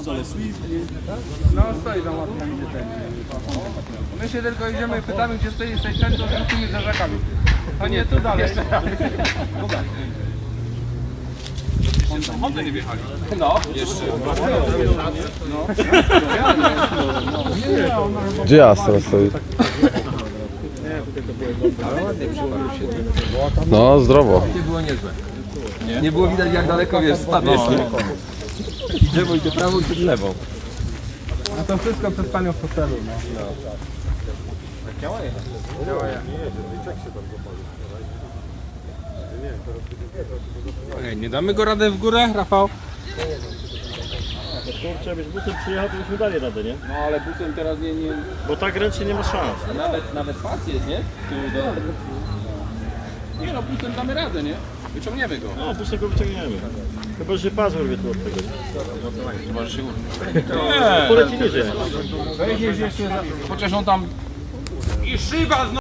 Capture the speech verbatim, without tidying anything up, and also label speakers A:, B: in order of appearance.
A: ale Swift, nie?
B: No stoi tam ładnie tam idzie ten. My się tylko idziemy i pytamy, gdzie stoi tej ten, to wrócimy za rzekami. A nie, tu dalej.
A: Hondy nie wjechali.
B: No.
A: Jeszcze.
C: Gdzie Astra stoi? No, zdrowo.
D: Nie było niezłe. Nie, nie było widać jak daleko wiesz, spadłeś. Idziemy idzie prawo i lewą.
B: A to wszystko przed panią w hotelu. No. Działa jechać. Działa jechać.
A: Ej, nie damy go radę w górę, Rafał?
E: Kurczę, byś busem przyjechał, to byśmy dali radę, nie?
A: No ale busem teraz nie... nie...
E: Bo tak ręcznie nie ma szans.
A: Nawet, nawet pas jest, nie? Tu do... Nie no, busem damy radę, nie? Wyciągniemy go.
E: No, busem go wyciągniemy. Chyba, że pas urwie tu od tego.
A: Może się urwie.
E: Poleci niżej.
A: Chociaż on tam... I szyba znowu!